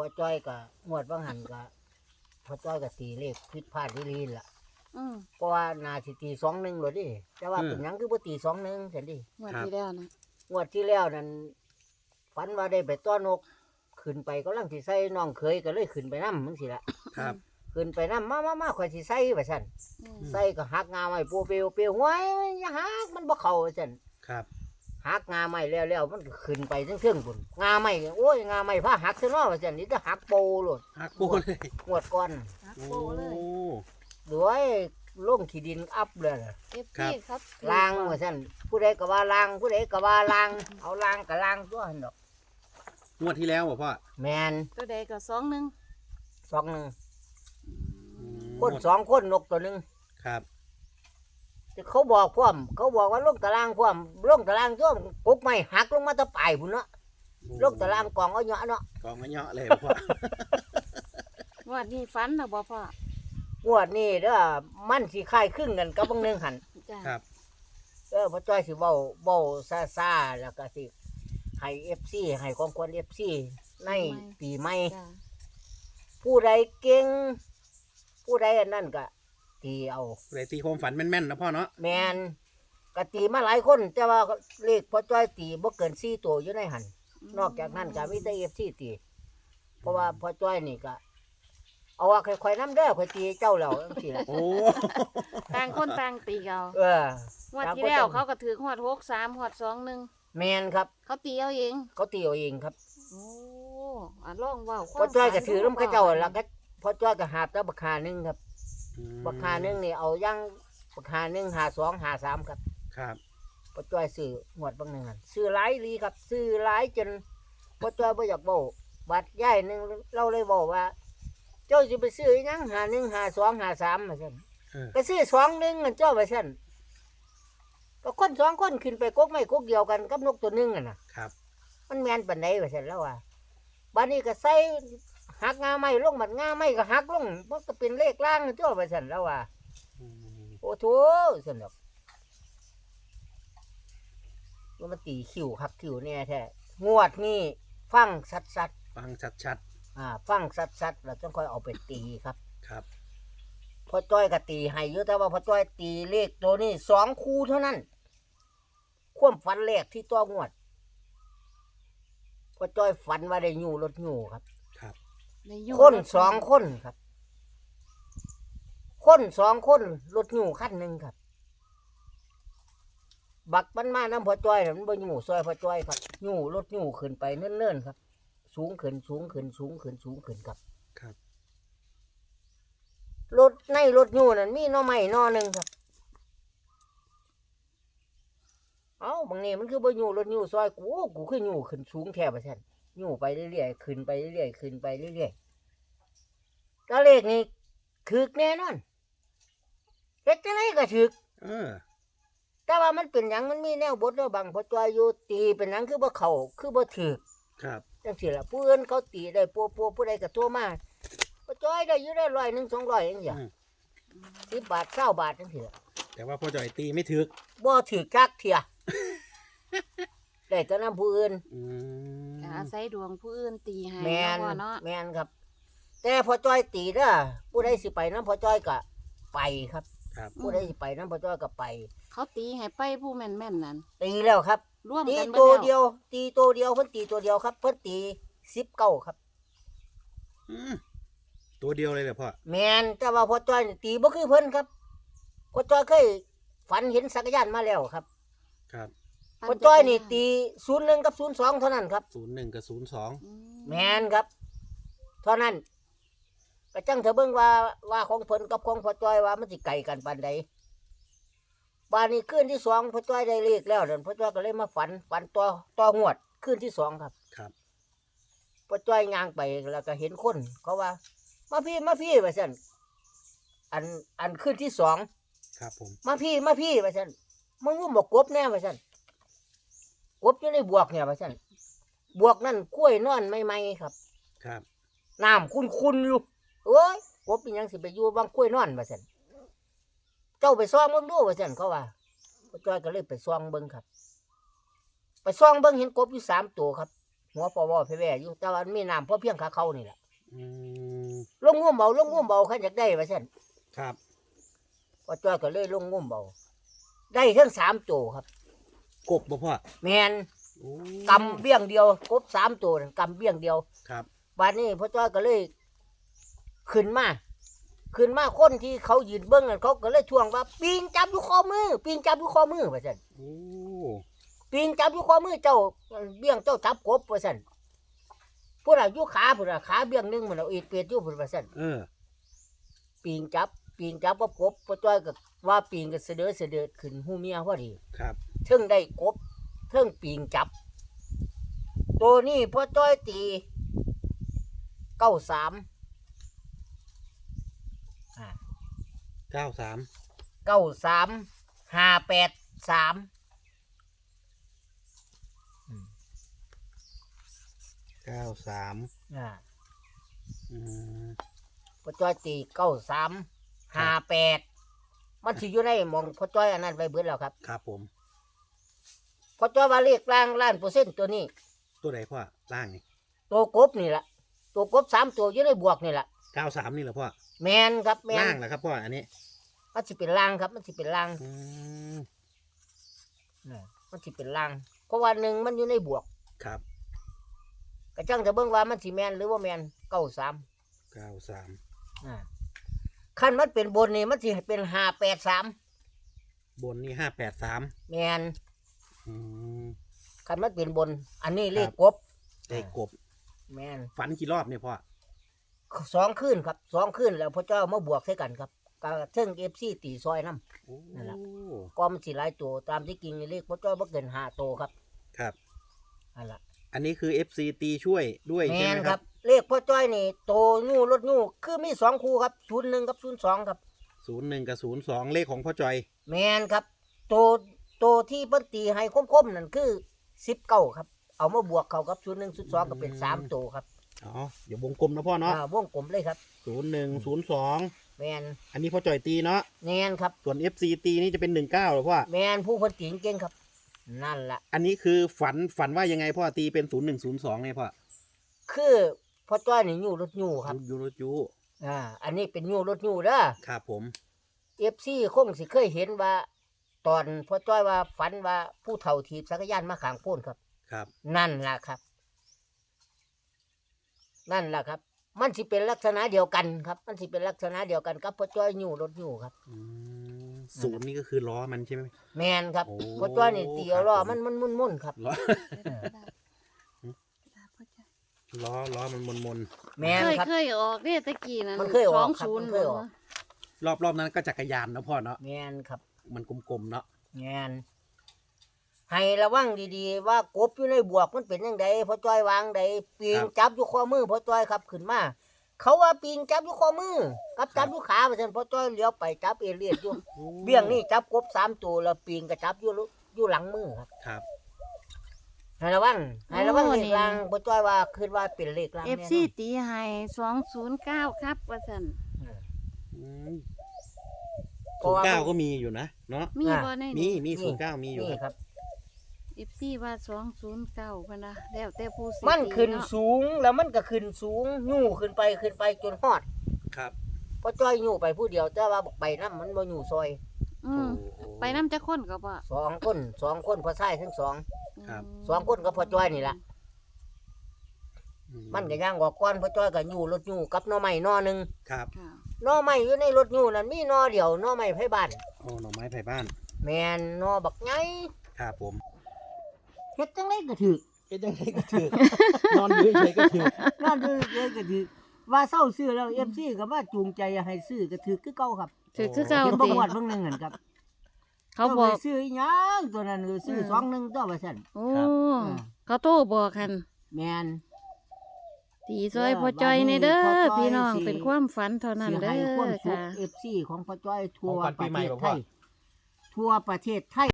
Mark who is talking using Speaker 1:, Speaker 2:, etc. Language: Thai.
Speaker 1: อจ้อยก็งวดบางหันก็พอจ้อยก็ตีเลขผิดพลาดที่ลีนล่ะเพราะว่านาสิตี2-1เลยดิแต่ว่าเป็นหยังคือบ่ตี2-1ซั่นดิ
Speaker 2: งวดที่แล้วนะ
Speaker 1: งวดที่แล้วนั่นฝันว่าได้ไปต้อนนกขึ้นไปกำลังสิใส่น้องเคยก็เลยขึ้นไปนำจังซี่ล่ะ
Speaker 3: ครับ
Speaker 1: ขึ้นไปนำมาข่อยสิใส่ว่าซั่นใส่ก็หักงาไม้ปูเปียวห้วยอย่าหักมันบ่เข้าว่าซั่น
Speaker 3: ครับ
Speaker 1: หักงาไม้แล้วมันก็ขึ้นไปเทิงๆพุ่นงาไม้โอ้ยงาไม้พาหักซะเนาะว่าซั่นนี่จะหักโปโลด
Speaker 3: หักปูเลย
Speaker 1: งวดก่อน
Speaker 2: หัก
Speaker 3: โอ้
Speaker 2: โปเลย
Speaker 1: ด้วยลงขี้ดินอัพเลยล่ะ
Speaker 2: เอฟซีครับ
Speaker 1: ล้างว่าซั่นผู้ใดก็ว่าล้างผู้ใดก็ว่าล้างเอาล้างก็ล้างตัวหั่นดอก
Speaker 3: งวดที่แล้วบ่พ่อ
Speaker 1: แม่น
Speaker 2: ตัวใดก็2-1
Speaker 1: 2-1คน2คนนกตัวหนึง
Speaker 3: ครับ
Speaker 1: ที่เขาบอกพร้อมเขาบอกว่าลงตารางพร้อมลงตารางตัวกกไม้หักลงมาแตะปลายพุ่นเนาะลงตารางกองเอาเหยาะเนาะ
Speaker 3: กองมาเยาะเลยพ่อ
Speaker 2: งวดนี้ฝันแล้วบ่พ่อง
Speaker 1: วดนี้เด้อมันสิคล้ายคลึงกันกับบางหนึงหั่น
Speaker 2: จ้า
Speaker 3: ครับ
Speaker 1: พ่อจ้อยสิเว้าซ่าๆแล้วก็สิให้ FC ให้ของควร FC ในปีใหม่
Speaker 2: จ้า
Speaker 1: ผู้ใดเก่งผู้ใดอันนั้นก็ตีเอา
Speaker 3: เลยตีความฝันแม่นๆนะพ่อเนาะ
Speaker 1: แมนก็ตีมาหลายคนแต่ว่าเลขพ่อจ้อยตีบ่เกิน4ตัวอยู่ในหันนอกจากนั้นก็มีแต่ FC ตีเพราะว่าพ่อจ้อยนี่ก็เอาว่าค่อยๆนำเด้อค่อยตีเจ้าแล้วจังซี่ล่ะ
Speaker 3: โอ้
Speaker 2: ต่างคนต่างตีเอา
Speaker 1: เออง
Speaker 2: วดที่แล้วเขาก็ถือฮอด63ฮอด21
Speaker 1: แมนครับ
Speaker 2: เขาตีเอาเอง
Speaker 1: เขาตีเอาเองครับ
Speaker 2: โอ้ลองเว้า
Speaker 1: พ่อจ้อยก็ถือนำเขาเจ้าแล้วก็พ่อจ้อยก็หาบแต่บักหาหนึงครับ
Speaker 3: อืม
Speaker 1: บักหาหนึงนี่เอายังบักหาหนึง52 53ครับ
Speaker 3: ครับ
Speaker 1: พ่อจ้อยซื้อหวดบางหนึงหั่นซื้อหลายอีหลีครับซื้อหลายจนพ่อจ้อยบ่อยากเว้าบัดย้ายหนึงเราเลยเว้าว่า เจ้าสิไปซื้ออีหยัง51 52 53ว่าซั่น
Speaker 3: เออ
Speaker 1: ก็ซื้อ21นั่นเจ้าว่าซั่นก็คน2คนขึ้นไปกกไม้กกเดียวกันกับนกตัวหนึงน่ะนะครับ มันแม่นปานใดว่าซั่นแล้วว่าบัดนี้ก็ใส่หักงาไม้ลงบัดงาไม้ก็หักลงมันก็เป็นเลขล่างนั่นเจ้าว่าซั่นแล้วว่า
Speaker 3: อืม
Speaker 1: โอ้โถซั่นดอกมันตีคิวคักคิวแน่แท้งวดนี้ฟังสัด
Speaker 3: ฟังชัด
Speaker 1: ฟังสัดแล้วจังค่อยเอาไปตีครับ
Speaker 3: ๆครับ
Speaker 1: พ่อจ้อยก็ตีให้อยู่แต่ว่าพ่อจ้อยตีเลขตัวนี้2คู่เท่านั้นความฝันแรกที่ต้องวดพ่อจ้อยฝันว่าได้อยู่รถอยู่ครับ
Speaker 3: ครับ
Speaker 2: ได้อยู่
Speaker 1: คน2คนครับ คน2คนรถอยู่คันหนึงครับ บักมันมาน้ำพ่อจ้อยน่ะมันบ่อยู่ซอยพ่อจ้อยครับอยู่รถอยู่ขึ้นไปเนิ่นๆครับ สูงขึ้นครับ
Speaker 3: ครับ
Speaker 1: รถในรถอยู่นั่นมีหน่อไม้หน่อหนึงครับ เอ้าบางนี่มันคือบ่อยู่รถอยู่ซอยกูคืออยู่ขึ้นสูงแท้ว่าซั่นอยู่ไปเรื่อยๆขึ้นไปเรื่อยๆขึ้นไปเรื่อยๆก็เลขนี้ถูกแน่นอนเฮ็ดจังไดก็ถูก
Speaker 3: เออ
Speaker 1: แต่ว่ามันเป็นหยังมันมีแนวบทแล้วบางพอจอยอยู่ตีเป็นหยังคือบ่เข้าคือบ่ถูก
Speaker 3: ครับ
Speaker 1: จังซี่ล่ะผู้อื่นเขาตีได้ปัวผู้ใดก็โทรมาพอจอยได้อยู่ได้100 1 200จังซี่
Speaker 3: อืม
Speaker 1: 10 บาท20 บาทจังซี่
Speaker 3: แต่ว่าพ่อจ่อยตีไม่ถึก
Speaker 1: บ่ถูกจักเที่ย ได้แต่นำผู้อื่น
Speaker 3: อืม
Speaker 2: ก็อาศัยดวงผู้อื่นตีให้
Speaker 1: แม่น
Speaker 2: เนาะพ่อเนาะ
Speaker 1: แม่นครับ แต่พอจ้อยตีเด้อผู้ใดสิไปนำพอจ้อยก็ไปครับ
Speaker 3: ครับ
Speaker 1: ผู้ใดสิไปนำพอจ้อยก็ไป
Speaker 2: เขาตีให้ไปผู้แม่นๆนั่น
Speaker 1: ตีแล้วครับ
Speaker 2: ร่วม
Speaker 1: ตี
Speaker 2: กัน
Speaker 1: ตัว
Speaker 2: เบิด
Speaker 1: เดียว ตีตัวเดียวเพิ่นตีตัวเดียวครับเพิ่นตี19ครับ
Speaker 3: อืมตัวเดียวเลยเหรอพ่อ
Speaker 1: แม่นแต่ว่าพอจ้อยนี่ตีบ่คือเพิ่นครับพอจ้อยเคยฝันเห็นสักรยานมาแล้วครับ
Speaker 3: ครับ
Speaker 1: พอจ้อยนี่ตี01กับ02เท่านั้นครับ
Speaker 3: 01กับ02
Speaker 2: อืม
Speaker 1: แม่นครับ เท่านั้นก็จังเถอะเบิ่งว่าของเพิ่นกับของพอจ้อยว่ามันสิไกลกันปานใดบานนี้คืนที่2พอจ้อยได้เลขแล้วนั่นพอจ้อยก็เลยมาฝันต่องวดคืนที่2ครับ
Speaker 3: ครับ
Speaker 1: พอจ้อยย่างไปแล้วก็เห็นคนเขาว่า มาพี่ว่าซั่นอันคืนที่2
Speaker 3: ครับผม
Speaker 1: มาพี่ว่าซั่นมึงรู้บ่กบแน่ว่าซั่นกบอยู่ในบวกเนี่ยว่าซั่นบวกนั่นกล้วยนอนใหม่ๆครับ
Speaker 3: ครับ
Speaker 1: น้ำคุ้นๆอยู่เอ้ยกบเป็นหยังสิไปอยู่บางกล้วยนอนว่าซั่นเจ้าไปซ่องเบิ่งดูว่าซั่นเขาว่าพ่อจ้อยก็เลยไปซ่องเบิ่งครับ ไปซ่องเบิ่งเห็นกบอยู่3ตัวครับหัวปอวอแพ่ๆอยู่แต่ว่ามันมีน้ำเพราะเพียงขาเขานี่แหละ
Speaker 3: อืม
Speaker 1: ลงงุ่มเบาลงงุ่มเบาขันอยากได้ว่าซั่น
Speaker 3: ครับ
Speaker 1: พอจ้อยก็เลยลงงุ่มเบาได้ทั้ง3ตัวครับ
Speaker 3: กบบ่พ่อ
Speaker 1: แมน
Speaker 3: โอ้
Speaker 1: กำเบี้ยงเดียวกบ3ตัวนั่นกำเบี้ยงเดียว
Speaker 3: ครับ
Speaker 1: บัดนี้พ่อจ้อยก็เลยขึ้นมาคนที่เขายืนเบิ้งนั่นเขาก็เลยทวงว่าปิงจับอยู่ข้อมือปิงจับอยู่ข้อมือว่าซั่น
Speaker 3: โอ้
Speaker 1: ปิงจับอยู่ข้อมือเจ้าเบี้ยงเจ้าจับกบว่าซั่นผู้น่ะอยู่ขาผู้น่ะขาเบี้ยงหนึงมันเอาอีกเปียดอยู่พุ่นว่าซั่น
Speaker 3: เออ
Speaker 1: ปิงจับกับกบพ่อจ้อยก็ว่าปิงก็เสด็จขึ้นหูเมียพอดี
Speaker 3: ครับ
Speaker 1: เทิงได้กบเทิงปิงจับ ตัวนี้พ่อจ้อยตี93
Speaker 3: 93
Speaker 1: 583
Speaker 3: 93
Speaker 1: อ่า
Speaker 3: อืม
Speaker 1: พ่อจ้อยตี9358มันสิอยู่ในหมองพ่อจ้อยอันนั้นไว้เบิดแล้วครับ
Speaker 3: ครับผม
Speaker 1: พ่อจ้อยว่าเลขล่างล้านเปอร์เซ็นต์ตัวนี้
Speaker 3: ตัวไหนพ่อล่างนี่
Speaker 1: ตัวกบนี่ล่ะตัวกบ3ตัวอยู่ในบวกนี่ล่ะ
Speaker 3: 93นี่เหรอพ่อ
Speaker 1: แมนครับแมน
Speaker 3: ล่างเหรอครับพ่ออันนี้
Speaker 1: มันสิเป็นล่างครับมันสิเป็นล่าง
Speaker 3: อืม
Speaker 1: มันสิเป็นล่างเพราะว่าหนึ่งมันอยู่ในบวก
Speaker 3: ครับ
Speaker 1: กระจังจะเบิ่งว่ามันสิแมนหรือว่าแมน93
Speaker 3: 93
Speaker 1: ขั้นมันเป็นบนนี่มันสิเป็น583
Speaker 3: บนนี่583
Speaker 1: แมน
Speaker 3: อืม
Speaker 1: ขั้นมันเป็นบน อันนี้เลขกบ
Speaker 3: ได้กบ
Speaker 1: แมน
Speaker 3: ฝันกี่รอบเนี่ยพ่อ
Speaker 1: 2คืนครับ2คืนแล้วพระเจ้ามาบวกใส่กันครับก็เทิง FC ตีซอยน้
Speaker 3: โอ้
Speaker 1: นั่นล่ะ ก็มันสิหลายตัวตามที่จริงเลขพระเจ้าบ่เกิน5ตัวครับ
Speaker 3: ครับ
Speaker 1: นั่นล่ะ
Speaker 3: อันนี้คือ FC ตีช่วยด้วย
Speaker 1: แม
Speaker 3: ใช่ไห
Speaker 1: น
Speaker 3: ม
Speaker 1: ค
Speaker 3: ค
Speaker 1: รั
Speaker 3: รั
Speaker 1: บบ เลขพระจ้อยนี่โตงูรถงูคือมี2คู่ครับ01กับ02ครับ
Speaker 3: 01กับ02เลขของพ่อจอย
Speaker 1: แมนครับโตที่เพิ่นตีให้คมๆนั่นคือ19ครับเอามาบวกเข้ากับ01 02ก็เป็น3ตัวครับ
Speaker 3: อ๋อเดี๋ยววงกลมนะพ่อเนาะ
Speaker 1: วงกลมเลยครับ
Speaker 3: 01 02
Speaker 1: แมน
Speaker 3: อันนี้พ่อจอยตีเนาะ
Speaker 1: แมนครับ
Speaker 3: ส่วน FC ตีนี่จะเป็น19เหรอพ่อ
Speaker 1: แมนผู้เพิ่นตีเก่งครับ นั่นล่ะ
Speaker 3: อันนี้คือฝันว่ายังไงพ่อตีเป็น0102เนี่ยพ่อ
Speaker 1: คือพ่อจ้อยนี่อยู่รถยูครับ
Speaker 3: ยูโรจู
Speaker 1: อันนี้เป็นยูรถยูเด้อ
Speaker 3: ครับผม
Speaker 1: FC คงสิเคยเห็นว่า ตอนพ่อจ้อยว่าฝันว่าผู้เฒ่าถีบจักรยานมาข้างโพ้นครับ
Speaker 3: ครับ
Speaker 1: นั่นล่ะครับ นั่นล่ะครับ มันสิเป็นลักษณะเดียวกันครับ มันสิเป็นลักษณะเดียวกันกับพ่อจ้อยยูรถยูครับ
Speaker 3: อืมศูนย์นี่ก็คือล้อมันใช่ไหม
Speaker 1: แมนครับ
Speaker 3: โอ้
Speaker 1: พ่อจ้อยนี่ตีเอาล้อ
Speaker 3: ครับผม
Speaker 1: มันมุ่นๆครับ
Speaker 3: ล้อ
Speaker 1: เออ
Speaker 3: ล้อมันมน
Speaker 1: แมนครับ
Speaker 2: เคยออกเนี่ยตะกี้นั่น
Speaker 1: มันเคยออกครับ
Speaker 2: 20
Speaker 1: มันเคยออก
Speaker 3: รอบนั้นก็จักรยานนะพ่อเนาะ
Speaker 1: แมนครับ
Speaker 3: มันกลมๆเนาะ
Speaker 1: แมนให้ระวังดีๆว่ากบอยู่ในบวกมันเป็นยังไงพ่อจ้อยวางใดปีงจับอยู่ข้อมือพ่อจ้อยครับขึ้นมาเขาว่าปีงจับอยู่ข้อมือกับจับอยู่ขาเพราะฉะนั้นพ่อจ้อยเลี้ยวไปจับเอเลียดอยู่เบี้ยงนี่จับกบ3ตัวแล้วปีงก็จับอยู่หลังมือครับ
Speaker 3: ครับ
Speaker 1: ให้ระวังเลขล่างพ่อจ้อยว่าคิดว่าเป็นเลขล่าง
Speaker 2: เอ
Speaker 1: แน่
Speaker 2: ฟ
Speaker 1: น
Speaker 2: ซี
Speaker 1: อน
Speaker 2: ตีให้209ครับว่าซั่น
Speaker 3: อืม09ก็มีอยู่นะเนาะ
Speaker 2: มีบ่ใน
Speaker 3: มี09มีอยู่
Speaker 1: นี่
Speaker 3: ครับ
Speaker 1: ครับ
Speaker 2: เอฟซีว่า209พุ่นนะแล้วแต่ผู้สิ
Speaker 1: มันขึ้น
Speaker 2: ตีเาะ
Speaker 1: สูงแล้วมันก็ขึ้นสูงยู่ขึ้นไปจนฮอด
Speaker 3: ครับ
Speaker 1: พ่อจ้อยยู่ไปผู้เดียวแต่ว่าบอกไปน้ำมันบ่อยู่ซอย
Speaker 2: อืมไปนำจักคนก็บ่
Speaker 1: 2 คนพ่อชายทั้งสอง
Speaker 3: ครับ
Speaker 1: 2 คนกับพ่อจ้อยนี่ล่ะ มันก็ย่างออกก่อนพ่อจ้อยก็อยู่รถอยู่กับหน่อไม้หน่อหนึง
Speaker 3: ครับ
Speaker 2: ค่ะ
Speaker 1: หน่อไม้อยู่ในรถอยู่นั่นมีหน่อเดียวหน่อไม้ไผบ้าน
Speaker 3: โอ้หน่อไม้ไผ่บ้าน
Speaker 1: แม่นหน่อบักใหญ่
Speaker 3: ครับผม
Speaker 1: เฮ็ดจังไดก็ถูก
Speaker 3: เป็นยังไงก็ถือ นอนอยู่เฉยๆก็ถือ
Speaker 1: นั่นเลยก็ถูกว่าเศร้าซื้อแล้ว FC ก็มาจูงใจให้ซื้อก็ถูกคือเก่าครับ
Speaker 2: ถือคือเก่า
Speaker 1: เห็นบ่
Speaker 2: ติ
Speaker 1: ฮอดเบิ่งนึงนั่นครับ
Speaker 2: เขาบอก
Speaker 1: ไปซื้ออีหยังตัวนั้นก็ซื้อ21ตัวว่าซั่น
Speaker 2: โอ้เขาโตบอกกัน
Speaker 1: แม่น
Speaker 2: ตีซอยพ่อจ้อยในเด้อ
Speaker 1: พ่อจ้อย
Speaker 2: พี่น้อง
Speaker 1: สิ
Speaker 2: เป็นความฝันเท่านั้น
Speaker 1: สิ
Speaker 2: เด้
Speaker 1: ให้ความ
Speaker 2: อ
Speaker 1: สุข
Speaker 2: ค่ะ
Speaker 1: FC ของพ่อจ้อยทั่ว
Speaker 3: ของขวัญ
Speaker 1: ป
Speaker 3: ปี
Speaker 1: ระ
Speaker 3: ใหม่
Speaker 1: เทศ
Speaker 3: บ่
Speaker 1: ไท
Speaker 3: พ่อ
Speaker 1: ยทั่วประเทศไทย